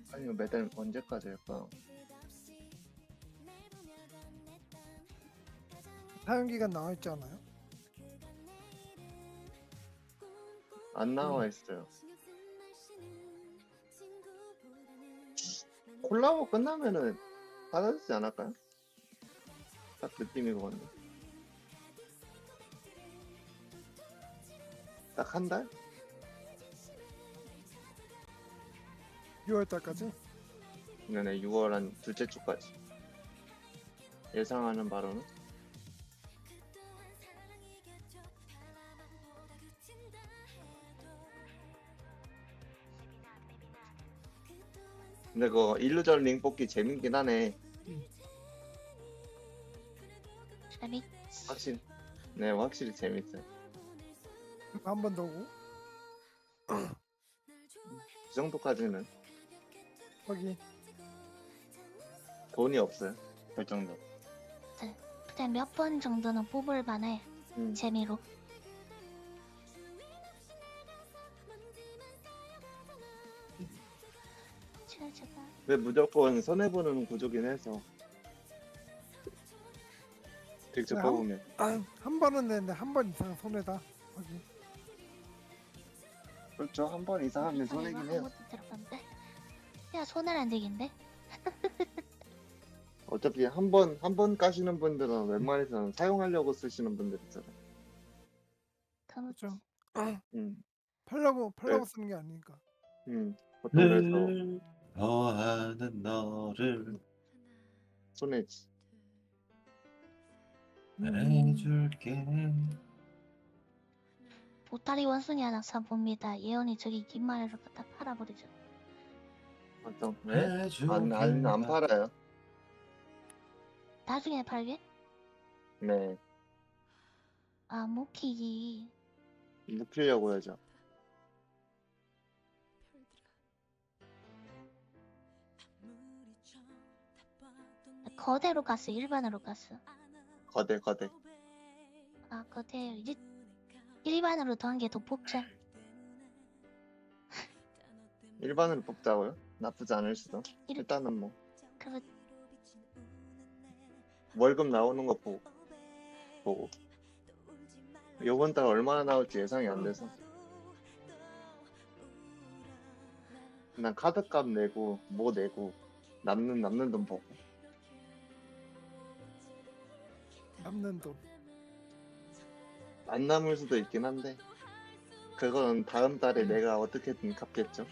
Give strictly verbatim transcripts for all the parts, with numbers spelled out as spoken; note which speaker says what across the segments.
Speaker 1: 아니 이거 매달 언제까지 할까?
Speaker 2: 사용기간 나와 있지 않아요?
Speaker 1: 안 나와 있어요. 콜라보 끝나면은 사라지지 않을까요? 딱 느낌이 그건데. 딱 한 달?
Speaker 2: 유월 달까지?
Speaker 1: 네네, 유월 한 둘째 주까지. 예상하는 바로는. 근데 그거 일루전 링 뽑기 재밌긴 하네.
Speaker 3: 재밌.
Speaker 1: 확실히. 네, 확실히 재밌어요.
Speaker 2: 한 번 더 오고
Speaker 1: 그 정도까지는
Speaker 2: 거기
Speaker 1: 돈이 없어요. 그 정도.
Speaker 3: 그냥 몇 번 정도는 뽑을 만해.
Speaker 1: 음.
Speaker 3: 재미로. 제가 제가
Speaker 1: 근데 무조건 손해보는 구조긴 해서. 직접
Speaker 2: 네,
Speaker 1: 뽑으면.
Speaker 2: 아, 한 번은 내는데 한 번 이상 손해다. 거기
Speaker 1: 그렇죠. 한 번 이상 하면 손해긴
Speaker 3: 한
Speaker 1: 해요.
Speaker 3: 번도 들어봤는데. 야 손을 안 되긴데.
Speaker 1: 어차피 한 번, 한 번 까시는 분들은 웬만해서는 사용하려고 쓰시는 분들 있잖아요.
Speaker 2: 그렇죠.
Speaker 1: 음,
Speaker 2: 팔려고 팔려고
Speaker 1: 네.
Speaker 2: 쓰는 게 아니니까.
Speaker 1: 음, 보통 그래서
Speaker 4: 늘 더하는 너를
Speaker 1: 손해지.
Speaker 4: 해줄게.
Speaker 3: 보따리 원숭이 하나 사봅니다. 예언이 저기 긴말을 갖다 팔아버리죠.
Speaker 1: 보통, 네? 안,
Speaker 4: 해줄게.
Speaker 1: 안, 안 팔아요.
Speaker 3: 나중에 팔게?
Speaker 1: 네.
Speaker 3: 아 모키기.
Speaker 1: 묵히려고 하죠.
Speaker 3: 거대로 갔어. 일반으로 갔어.
Speaker 1: 거대, 거대.
Speaker 3: 아 거대 이제 일반으로 더한 게 더 뽑자.
Speaker 1: 일반으로 뽑자고요? 나쁘지 않을 수도.
Speaker 3: 일-
Speaker 1: 일단은 뭐,
Speaker 3: 그렇
Speaker 1: 월급 나오는 거 보고, 보고. 요번 달 얼마나 나올지 예상이 안 돼서. 난 카드값 내고, 뭐 내고, 남는, 남는 돈 보고.
Speaker 2: 남는 돈.
Speaker 1: 안 남을 수도 있긴 한데, 그건 다음 달에 내가 어떻게든 갚겠죠.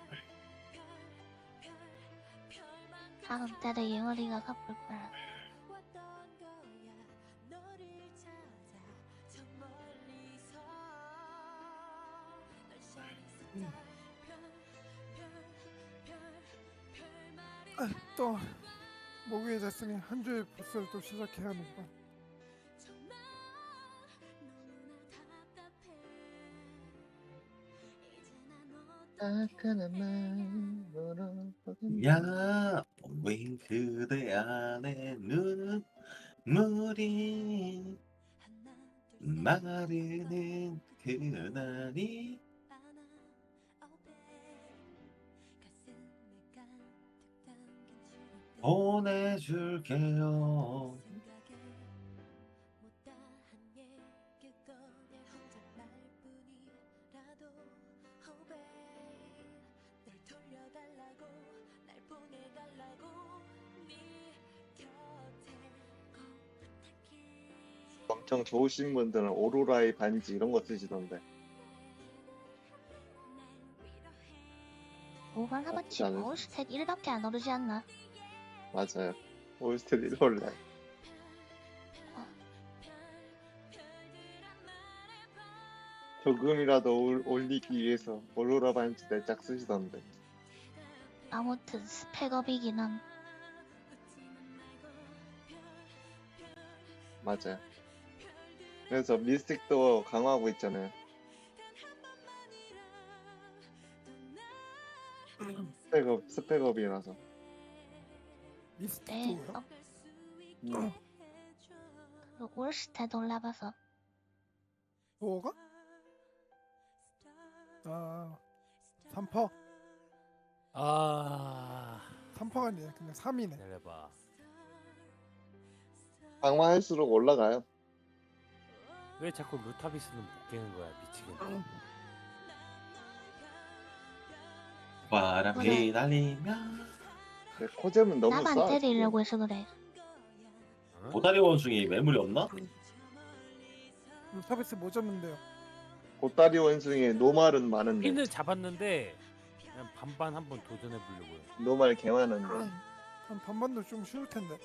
Speaker 3: 다음 달에 예언이가 갚을 거야.
Speaker 2: 아, 또 목요일 됐으니 한 주의 보스를 또 시작해야 하는구나.
Speaker 1: 따끈한 마음으로
Speaker 4: 야, 왜 그대 안에 눈물이 마르는 그날이 보내줄게요.
Speaker 1: 엄청 좋으신 분들은 오로라의 반지 이런 거 쓰시던데.
Speaker 3: 오만
Speaker 1: 나쁘지
Speaker 3: 하마치
Speaker 1: 않을
Speaker 3: 올스탯 일밖에 안 오르지 않나?
Speaker 1: 맞아요. 올스탯 일 올라요. 조금이라도 올, 올리기 위해서 오로라 반지 내짝 쓰시던데.
Speaker 3: 아무튼 스펙업이긴 함.
Speaker 1: 맞아요. 그래서 미스틱도 강화하고 있잖아요. 스펙업, 스펙업이라서.
Speaker 2: 리스트
Speaker 3: 네,
Speaker 2: 뭐야?
Speaker 3: 어,
Speaker 1: 음.
Speaker 3: 그 올스탯 올라봐서
Speaker 2: 뭐가? 아, 삼 퍼.
Speaker 5: 아
Speaker 2: 삼 퍼가 아니야. 그냥 삼이네.
Speaker 5: 기다려봐.
Speaker 1: 강화할수록 올라가요.
Speaker 5: 왜 자꾸 루타비스는 못 깨는 거야 미치겠네.
Speaker 4: 바람이
Speaker 3: 그래.
Speaker 4: 날리며
Speaker 1: 근데 코잼은 너무
Speaker 3: 나만
Speaker 1: 싸.
Speaker 3: 때리려고 해서 그래.
Speaker 5: 어?
Speaker 4: 보다리 원숭이 매물이 없나?
Speaker 2: 루타베스 뭐 잡는데요?
Speaker 1: 보따리 원숭이에 노말은 많은데
Speaker 5: 핀을 잡았는데 그냥 반반 한번 도전해 보려고요.
Speaker 1: 노말 개 많은데
Speaker 2: 한 반반도 좀 쉬울 텐데.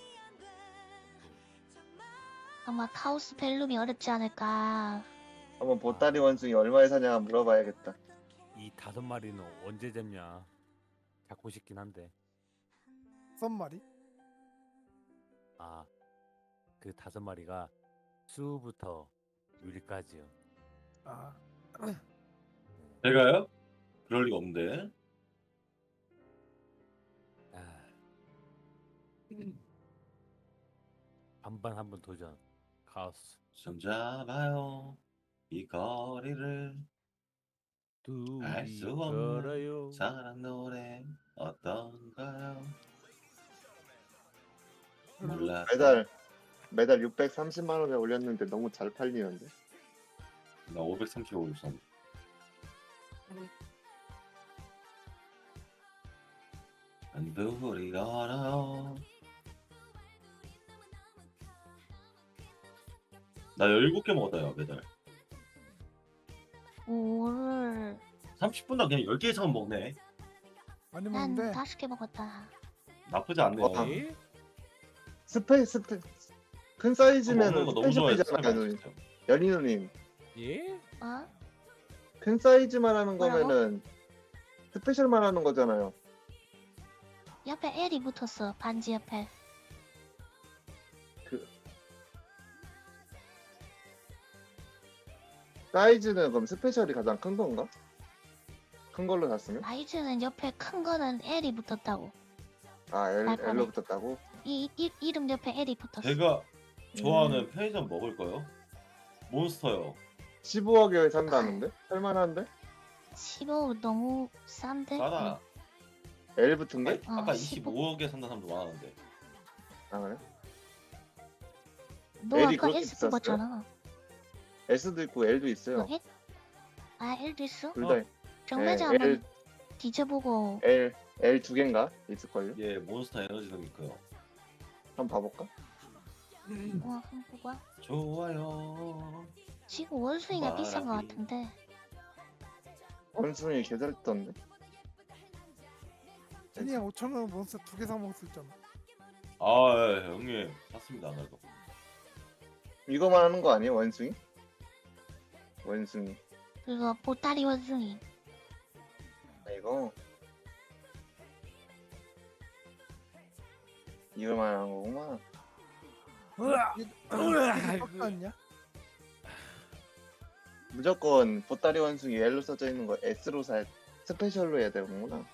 Speaker 3: 아마 카오스 벨룸이 어렵지 않을까.
Speaker 1: 한번 보따리 원숭이 얼마에 사냐 물어봐야겠다.
Speaker 5: 이 다섯 마리는 언제 잡냐? 잡고 싶긴 한데.
Speaker 2: 썸마리?
Speaker 5: 아, 그 다섯 마리가 수부터 유리까지요.
Speaker 2: 아,
Speaker 4: 제가요? 그럴 리가 없는데.
Speaker 5: 아, 반반 한번 도전. 카오스.
Speaker 4: 숨잡아요 이 거리를 알
Speaker 5: 둘이
Speaker 4: 수 없는
Speaker 5: 걸어요.
Speaker 4: 사랑 노래 어떤가요? 몰라.
Speaker 1: 매달 매달 육백삼십만 원에 올렸는데 너무 잘 팔리는데.
Speaker 4: 나 오백삼십오 있었는데. 둘이 걸어요. 나 열일곱 개 먹었다요 매달.
Speaker 3: 오를
Speaker 4: 삼십 분당 그냥 열 개 이상 먹네.
Speaker 2: 많이
Speaker 3: 난
Speaker 2: 먹는데
Speaker 3: 다섯 개 먹었다.
Speaker 4: 나쁘지 않네요.
Speaker 1: 어,
Speaker 5: 예?
Speaker 1: 스페 스페 큰
Speaker 4: 먹는
Speaker 1: 사이즈면은
Speaker 4: 거 너무 좋아해.
Speaker 1: 스페셜이잖아요, 누님. 연희 누님.
Speaker 5: 예?
Speaker 3: 어?
Speaker 1: 큰 사이즈만 하는
Speaker 3: 뭐라고?
Speaker 1: 거면은 스페셜만 하는 거잖아요.
Speaker 3: 옆에 L이 붙었어. 반지 옆에.
Speaker 1: 그 사이즈는 그럼 스페셜이 가장 큰 건가? 큰 걸로 샀으면?
Speaker 3: 사이즈는 옆에 큰 거는 L이 붙었다고.
Speaker 1: 아 L,
Speaker 3: 발판에.
Speaker 1: L로 붙었다고?
Speaker 3: 이, 이 이름 옆에 L이 붙었어.
Speaker 4: 제가 좋아하는
Speaker 1: 음.
Speaker 4: 편의점 먹을 거요. 몬스터요.
Speaker 1: 십오억에 산다는데? 살만한데?
Speaker 3: 십오 너무 싼데?
Speaker 4: 싸다.
Speaker 1: L 붙은 게?
Speaker 3: 어,
Speaker 4: 아까
Speaker 3: 십오.
Speaker 4: 이십오억에 산다는 사람도 많았는데.
Speaker 1: 아 그래?
Speaker 3: 너
Speaker 1: L이
Speaker 3: 아까
Speaker 1: 그렇게
Speaker 3: S
Speaker 1: 비쌌어요?
Speaker 3: 뽑았잖아.
Speaker 1: S도 있고 L도 있어요.
Speaker 3: 너 L? 아 L도 있어?
Speaker 1: 둘 다
Speaker 5: 어.
Speaker 3: 정매자
Speaker 1: L,
Speaker 3: 한번 뒤져보고.
Speaker 1: L, L 두 개인가? 있을걸요?
Speaker 4: 예, 몬스터 에너지도 있고요.
Speaker 1: 한번 봐볼까?
Speaker 3: 어, 한번 보고.
Speaker 4: 좋아요.
Speaker 3: 지금 원숭이가 비싼 거
Speaker 4: 말하기.
Speaker 3: 같은데.
Speaker 1: 원숭이 개잘 떴는데?
Speaker 2: 제니야 오천 원 몬스터 두 개 사 먹을 수 있잖아.
Speaker 4: 아, 예, 형님 샀습니다. 그래도.
Speaker 1: 이거만 하는 거 아니에요? 원숭이? 원숭이.
Speaker 3: 그거 보따리 원숭이.
Speaker 1: 아, 이거 이거만 하는 거구만.
Speaker 5: 으아! 으아!
Speaker 2: 깎았냐
Speaker 1: 무조건 보따리 원숭이 L로 써져 있는 거 S로 사 스페셜로 해야 되는구나.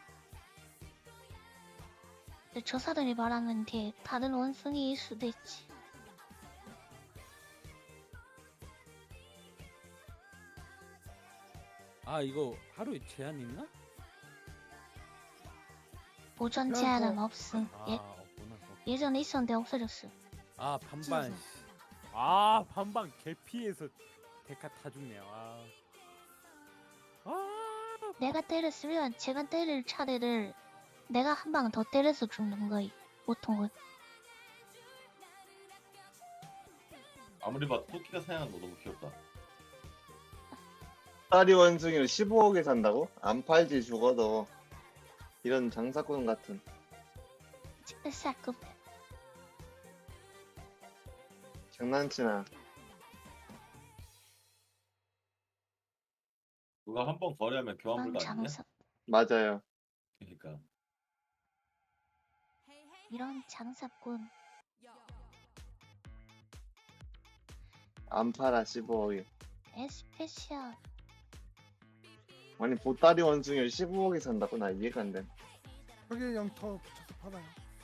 Speaker 3: 근데 저 사람이 말하는 게 다른 원숭이일 수도 있지.
Speaker 5: 아 이거 하루에 제한 있나?
Speaker 3: 보존
Speaker 2: 그럼
Speaker 3: 제한은
Speaker 2: 뭐-
Speaker 3: 없음.
Speaker 5: 아
Speaker 3: 예,
Speaker 5: 없구나.
Speaker 3: 예전에 있었는데 없어졌어.
Speaker 5: 아 반반. 아 반반 개피해서 데카 다 죽네요. 아. 아.
Speaker 3: 내가 때렸으면 제가 때릴 차례를 내가 한 방 더 때려서 죽는 거이. 보통은.
Speaker 4: 아무리 봐도 토끼가 사냥하는 거 너무 귀엽다.
Speaker 1: 보따리 원숭이를 십오억에 산다고? 안 팔지 죽어도. 이런 장사꾼 같은.
Speaker 3: 진짜 쌀급.
Speaker 1: 장난치나.
Speaker 4: 그거 한 번 거래하면 교환
Speaker 3: 그런
Speaker 4: 불가 아니냐?
Speaker 3: 장사,
Speaker 1: 맞아요.
Speaker 4: 그러니까.
Speaker 3: 이런 장사꾼.
Speaker 1: 안 팔아 십오억에.
Speaker 3: 에스페셜.
Speaker 1: 아니 보따리 원숭이를 십오억에 산다고? 나 이해가 안 돼.
Speaker 2: 거기에 영터 붙여서 팔아요.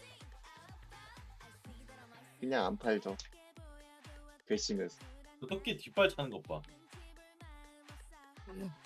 Speaker 1: 그냥 안 팔죠. 괘씸해서.
Speaker 4: 그 토끼 뒷발 차는 것 봐.
Speaker 2: 음.